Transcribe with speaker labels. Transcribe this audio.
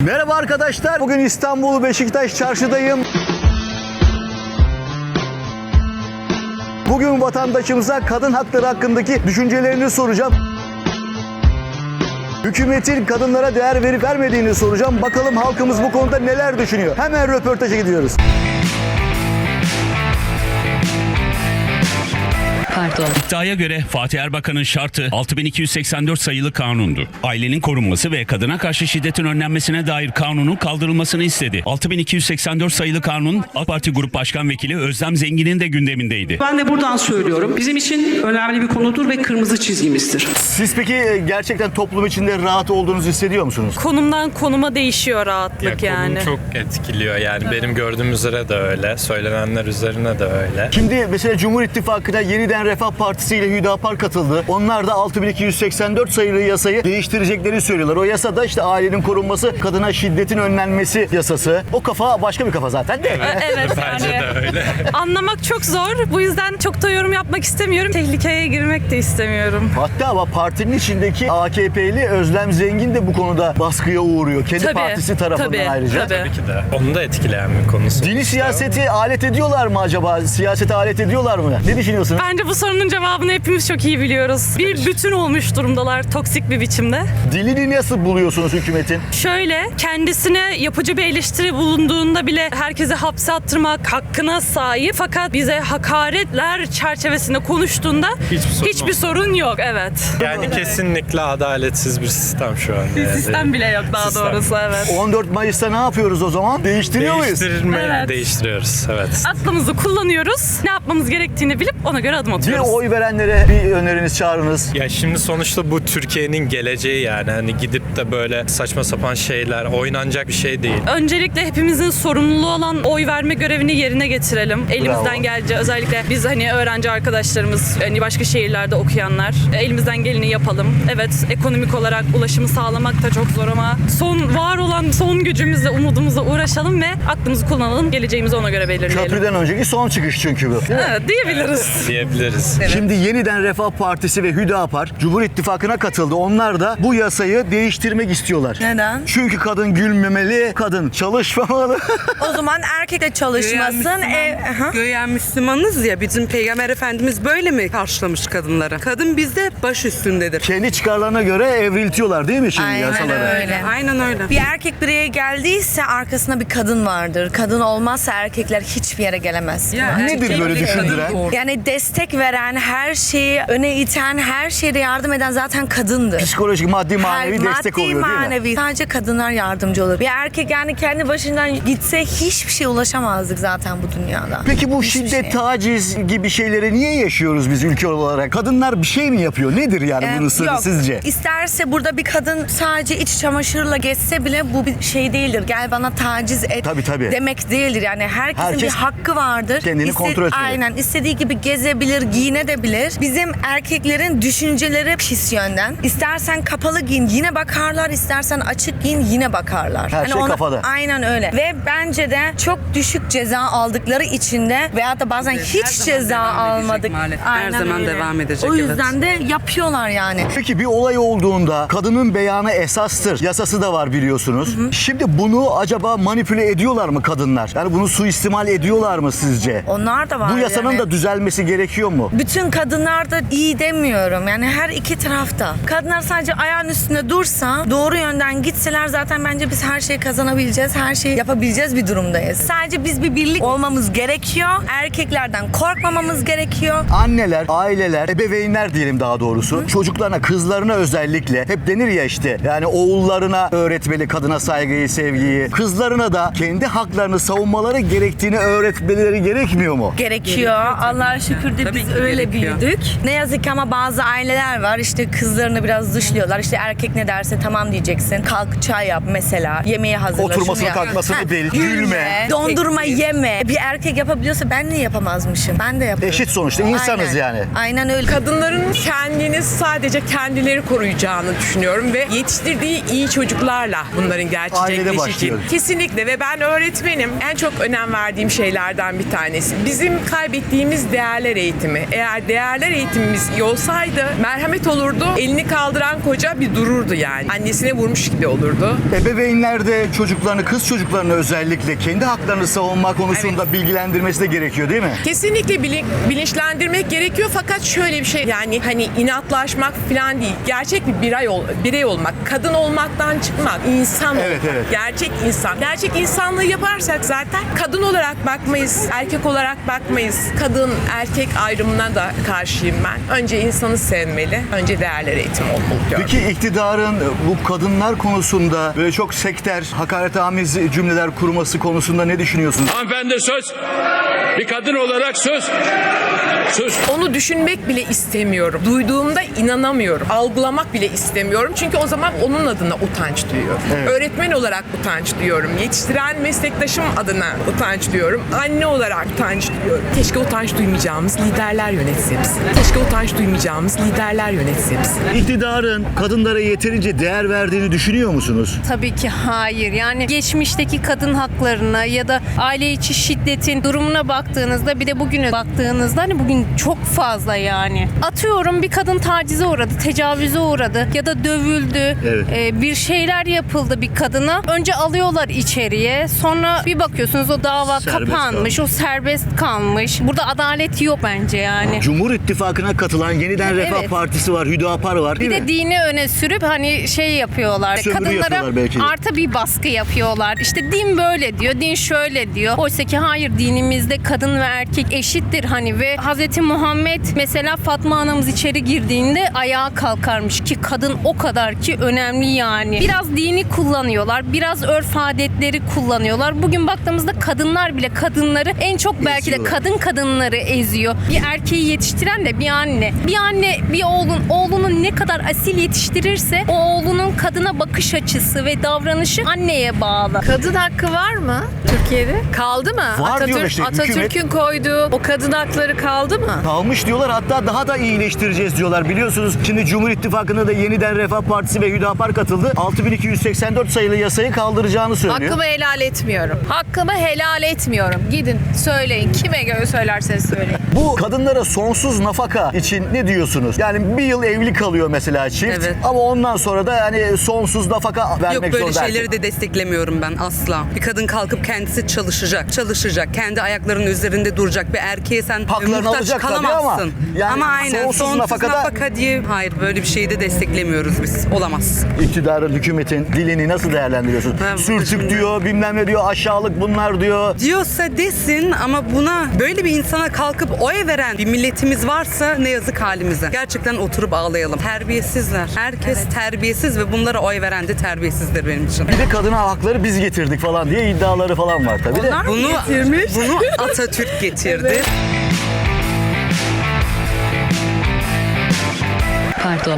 Speaker 1: Merhaba arkadaşlar. Bugün İstanbul Beşiktaş Çarşı'dayım. Bugün vatandaşımıza kadın hakları hakkındaki düşüncelerini soracağım. Hükümetin kadınlara değer verip vermediğini soracağım. Bakalım halkımız bu konuda neler düşünüyor? Hemen röportaja gidiyoruz.
Speaker 2: İddiaya göre Fatih Erbakan'ın şartı 6284 sayılı kanundu. Ailenin korunması ve kadına karşı şiddetin önlenmesine dair kanunun kaldırılmasını istedi. 6284 sayılı kanun AK Parti Grup Başkan Vekili Özlem Zengin'in de gündemindeydi.
Speaker 3: Ben de buradan söylüyorum. Bizim için önemli bir konudur ve kırmızı çizgimizdir.
Speaker 1: Siz peki gerçekten toplum içinde rahat olduğunuzu hissediyor musunuz?
Speaker 4: Konumdan konuma değişiyor rahatlık yani.
Speaker 5: Konum çok etkiliyor yani. Benim gördüğüm üzere de öyle. Söylenenler üzerine de öyle.
Speaker 1: Şimdi mesela Cumhur İttifakı'na yeniden Refah Partisi ile Hüdapar katıldı. Onlar da 6284 sayılı yasayı değiştireceklerini söylüyorlar. O yasada işte ailenin korunması, kadına şiddetin önlenmesi yasası. O kafa başka bir kafa zaten de.
Speaker 4: Evet
Speaker 5: Bence
Speaker 4: yani.
Speaker 5: de öyle.
Speaker 4: Anlamak çok zor. Bu yüzden çok da yorum yapmak istemiyorum. Tehlikeye girmek de istemiyorum.
Speaker 1: Hatta ama partinin içindeki AKP'li Özlem Zengin de bu konuda baskıya uğruyor. Kendi partisi tarafından ayrıca.
Speaker 5: Tabii ki de. Onu da etkileyen bir konu.
Speaker 1: Dini siyaseti alet ediyorlar mı acaba? Siyasete alet ediyorlar mı? Ne düşünüyorsunuz?
Speaker 4: Bence bu sorunun cevabını hepimiz çok iyi biliyoruz. Bir bütün olmuş durumdalar toksik bir biçimde.
Speaker 1: Dilini nasıl buluyorsunuz hükümetin?
Speaker 4: Şöyle, kendisine yapıcı bir eleştiri bulunduğunda bile herkese hapse attırmak hakkına sahip. Fakat bize hakaretler çerçevesinde konuştuğunda hiçbir sorun yok. Evet.
Speaker 5: Yani kesinlikle adaletsiz bir sistem şu an.
Speaker 4: Bir
Speaker 5: yani.
Speaker 4: sistem bile yok daha
Speaker 5: Sistem.
Speaker 4: doğrusu, evet.
Speaker 1: 14 Mayıs'ta ne yapıyoruz o zaman? Değiştiriyor muyuz?
Speaker 4: Evet.
Speaker 5: Değiştiriyoruz. Evet.
Speaker 4: Aklımızı kullanıyoruz. Ne yapmamız gerektiğini bilip ona göre adım
Speaker 1: Bir
Speaker 4: atıyoruz.
Speaker 1: oy verenlere bir öneriniz, çağrınız.
Speaker 5: Ya şimdi sonuçta bu Türkiye'nin geleceği yani. Hani gidip de böyle saçma sapan şeyler oynanacak bir şey değil.
Speaker 4: Öncelikle hepimizin sorumluluğu olan oy verme görevini yerine getirelim. Elimizden
Speaker 1: Bravo.
Speaker 4: geldiğince, özellikle biz hani öğrenci arkadaşlarımız, hani başka şehirlerde okuyanlar, elimizden geleni yapalım. Evet, ekonomik olarak ulaşımı sağlamak da çok zor ama var olan son gücümüzle, umudumuzla uğraşalım ve aklımızı kullanalım. Geleceğimizi ona göre belirleyelim.
Speaker 1: Köprüden önceki son çıkış çünkü bu.
Speaker 4: Evet, diyebiliriz.
Speaker 5: Diyebiliriz.
Speaker 1: Şimdi yeniden Refah Partisi ve Hüdapar Cumhur İttifakı'na katıldı. Onlar da bu yasayı değiştirmek istiyorlar.
Speaker 6: Neden?
Speaker 1: Çünkü kadın gülmemeli, kadın çalışmamalı.
Speaker 6: O zaman erkek de çalışmasın.
Speaker 7: Göğen Müslümanız ya, bizim Peygamber Efendimiz böyle mi karşılamış kadınları? Kadın bizde baş üstündedir.
Speaker 1: Kendi çıkarlarına göre evriltiyorlar değil mi şimdi
Speaker 6: Aynen
Speaker 1: yasaları?
Speaker 6: öyle.
Speaker 7: Aynen öyle.
Speaker 6: Bir erkek bireye geldiyse arkasında bir kadın vardır. Kadın olmazsa erkekler hiçbir yere gelemez.
Speaker 1: Nedir böyle düşündüren?
Speaker 6: Yani destek veren, her şeyi öne iten, her şeyde yardım eden zaten kadındır.
Speaker 1: Psikolojik, maddi, manevi destek oluyor değil mi?
Speaker 6: Manevi. Sadece kadınlar yardımcı olur. Bir erkek yani kendi başından gitse hiçbir şeye ulaşamazdık zaten bu dünyada.
Speaker 1: Peki bu
Speaker 6: Hiçbir
Speaker 1: şiddet,
Speaker 6: şey.
Speaker 1: taciz gibi şeyleri niye yaşıyoruz biz ülke olarak? Kadınlar bir şey mi yapıyor? Nedir yani bunun sırrı
Speaker 6: Yok.
Speaker 1: sizce?
Speaker 6: İsterse burada bir kadın sadece iç çamaşırla geçse bile bu bir şey değildir. Gel bana taciz et
Speaker 1: Tabii.
Speaker 6: demek değildir. Yani herkesin
Speaker 1: Herkes
Speaker 6: bir hakkı vardır.
Speaker 1: kendini kontrol etmeli.
Speaker 6: Aynen. İstediği gibi gezebilir, giyinebilir. Bizim erkeklerin düşünceleri pis yönden. İstersen kapalı giyin yine bakarlar, istersen açık giyin yine bakarlar.
Speaker 1: Her şey kafada.
Speaker 6: Aynen öyle. Ve bence de çok düşük ceza aldıkları için de veyahut da bazen hiç
Speaker 7: zaman
Speaker 6: ceza
Speaker 7: devam edecek
Speaker 6: almadık.
Speaker 7: maalesef. Her
Speaker 6: Aynen
Speaker 7: zaman
Speaker 6: öyle.
Speaker 7: devam edecek,
Speaker 6: O yüzden de yapıyorlar yani.
Speaker 1: Peki bir olay olduğunda kadının beyanı esastır. Yasası da var biliyorsunuz. Şimdi bunu acaba manipüle ediyorlar mı kadınlar? Yani bunu suistimal ediyorlar mı sizce?
Speaker 6: Onlar da var.
Speaker 1: Bu yasanın
Speaker 6: yani.
Speaker 1: da düzelmesi gerekiyor mu?
Speaker 6: Bütün kadınlar da iyi demiyorum. Yani her iki tarafta. Kadınlar sadece ayağın üstünde dursa, doğru yönden gitseler zaten bence biz her şeyi kazanabileceğiz, her şeyi yapabileceğiz bir durumdayız. Sadece biz bir birlik olmamız gerekiyor. Erkeklerden korkmamamız gerekiyor.
Speaker 1: Anneler, aileler, ebeveynler diyelim daha doğrusu. Çocuklarına, kızlarına özellikle hep denir ya işte. Yani oğullarına öğretmeli kadına saygıyı, sevgiyi. Kızlarına da kendi haklarını savunmaları gerektiğini öğretmeleri gerekmiyor mu?
Speaker 6: Gerekiyor. Allah'a şükür de
Speaker 7: Tabii
Speaker 6: biz
Speaker 7: ki
Speaker 6: öyle
Speaker 7: gerekiyor.
Speaker 6: büyüdük. Ne yazık ki ama bazı aileler var işte kızlarını biraz dışlıyorlar. İşte erkek ne derse tamam diyeceksin. Kalk çay yap mesela. Yemeği hazırla.
Speaker 1: Oturmasını,
Speaker 6: şunu yap.
Speaker 1: kalkmasını bil, gülme.
Speaker 6: Dondurma yeme. Bir erkek yapabiliyorsa ben niye yapamazmışım? Ben de yaparım.
Speaker 1: Eşit sonuçta insanız
Speaker 6: Aynen.
Speaker 1: yani.
Speaker 6: Aynen öyle.
Speaker 8: Kadınların kendini sadece kendileri koruyacağını düşünüyorum ve yetiştirdiği iyi çocuklarla bunların
Speaker 1: Ailede
Speaker 8: gerçekleşeceği.
Speaker 1: başlıyor.
Speaker 8: Kesinlikle ve ben öğretmenim. En çok önem verdiğim şeylerden bir tanesi. Bizim kaybettiğimiz değerler eğitimi. eğitimi. Eğer değerler eğitimimiz iyi olsaydı merhamet olurdu. Elini kaldıran koca bir dururdu yani. Annesine vurmuş gibi olurdu.
Speaker 1: Ebeveynler de çocuklarını, kız çocuklarını özellikle kendi haklarını savunma konusunda bilgilendirmesi de gerekiyor değil mi?
Speaker 8: Kesinlikle bilinçlendirmek gerekiyor fakat şöyle bir şey yani hani inatlaşmak falan değil. Gerçek bir birey olmak, kadın olmaktan çıkmak, insan olmak.
Speaker 1: Evet.
Speaker 8: Gerçek insan. Gerçek insanlığı yaparsak zaten kadın olarak bakmayız, erkek olarak bakmayız. Kadın erkek ayrımına da karşıyım ben. Önce insanı sevmeli, önce değerler eğitimi olmalı diyorum.
Speaker 1: Peki iktidarın bu kadınlar konusunda böyle çok sekter, hakaretamiz cümleler kurması konusunda ne düşünüyorsunuz?
Speaker 9: Hanımefendi söz. Bir kadın olarak söz.
Speaker 8: Onu düşünmek bile istemiyorum. Duyduğumda inanamıyorum. Algılamak bile istemiyorum. Çünkü o zaman onun adına utanç duyuyorum.
Speaker 1: Evet.
Speaker 8: Öğretmen olarak utanç duyuyorum. Yetiştiren meslektaşım adına utanç duyuyorum. Anne olarak utanç duyuyorum. Keşke utanç duymayacağımız liderler yönetse bizi. Keşke utanç duymayacağımız liderler yönetse bizi.
Speaker 1: İktidarın kadınlara yeterince değer verdiğini düşünüyor musunuz?
Speaker 10: Tabii ki hayır. Yani geçmişteki kadın haklarına ya da aile içi şiddetin durumuna baktığınızda bir de bugüne baktığınızda hani bugün çok fazla yani. Atıyorum bir kadın tacize uğradı, tecavüze uğradı ya da dövüldü.
Speaker 1: Evet.
Speaker 10: Bir şeyler yapıldı bir kadına. Önce alıyorlar içeriye. Sonra bir bakıyorsunuz o dava
Speaker 1: Serbest
Speaker 10: kapanmış,
Speaker 1: kalmış.
Speaker 10: o serbest kalmış. Burada adalet yok bence yani.
Speaker 1: Cumhur İttifakı'na katılan Yeniden Refah
Speaker 10: Evet.
Speaker 1: Partisi var, Hüdapar var değil
Speaker 10: Bir de
Speaker 1: mi?
Speaker 10: dini öne sürüp hani şey yapıyorlar.
Speaker 1: Sömürü
Speaker 10: Kadınlara
Speaker 1: yapıyorlar belki de.
Speaker 10: artı bir baskı yapıyorlar. İşte din böyle diyor, din şöyle diyor. Oysa ki hayır, dinimizde kadın ve erkek eşittir hani ve Hazreti Muhammed mesela Fatma anamız içeri girdiğinde ayağa kalkarmış ki kadın o kadar ki önemli yani. Biraz dini kullanıyorlar, biraz örf adetleri kullanıyorlar. Bugün baktığımızda kadınlar bile kadınları en çok belki de
Speaker 1: Eziyorlar.
Speaker 10: kadınları eziyor. Bir erkeği yetiştiren de bir anne. Bir anne bir oğlunu ne kadar asil yetiştirirse o oğlunun kadına bakış açısı ve davranışı anneye bağlı.
Speaker 11: Kadın hakkı var mı Türkiye'de? Kaldı mı?
Speaker 1: Var diyorlar işte,
Speaker 11: Atatürk'ün koyduğu o kadın hakları kaldı mı?
Speaker 1: Kalmış diyorlar, hatta daha da iyileştireceğiz diyorlar. Biliyorsunuz şimdi Cumhur İttifakı'na da Yeniden Refah Partisi ve Hüdapar katıldı. 6284 sayılı yasayı kaldıracağını söylüyor.
Speaker 11: Hakkımı helal etmiyorum. Hakkımı helal etmiyorum. Gidin söyleyin. Kime göre söylerseniz söyleyin.
Speaker 1: Bu kadınlara sonsuz nafaka için ne diyorsunuz? Yani bir yıl evli kalıyor mesela çift.
Speaker 7: Evet.
Speaker 1: Ama ondan sonra da hani sonsuz nafaka vermek
Speaker 7: Yok, böyle
Speaker 1: zorunda.
Speaker 7: şeyleri de desteklemiyorum ben asla. Bir kadın kalkıp kendisi çalışacak, kendi ayaklarının üzerinde duracak. Bir erkeğe sen
Speaker 1: Haklarını
Speaker 7: muhtaç
Speaker 1: alacak tabii
Speaker 7: kalamazsın.
Speaker 1: ama yani
Speaker 7: ama aynen
Speaker 1: sonsuz
Speaker 7: sonsuz
Speaker 1: nafakada-
Speaker 7: nafaka diye hayır, böyle bir şeyi de desteklemiyoruz biz. Olamaz.
Speaker 1: İktidarın, hükümetin dilini nasıl değerlendiriyorsun?
Speaker 7: Ben bunu
Speaker 1: Sürtük
Speaker 7: şimdi-
Speaker 1: diyor, bilmem ne diyor, aşağılık bunlar diyor.
Speaker 7: Diyorsa desin ama buna böyle bir insana kalkıp oy veren bir milletimiz varsa ne yazık halimize. Gerçekten oturup ağlayalım. Terbiyesizler. Herkes terbiyesiz ve bunlara oy veren de terbiyesizdir benim için.
Speaker 1: Bir de kadına hakları biz getirdik falan diye iddiaları falan var tabii de.
Speaker 7: Bunu Atatürk getirdi.
Speaker 11: Pardon.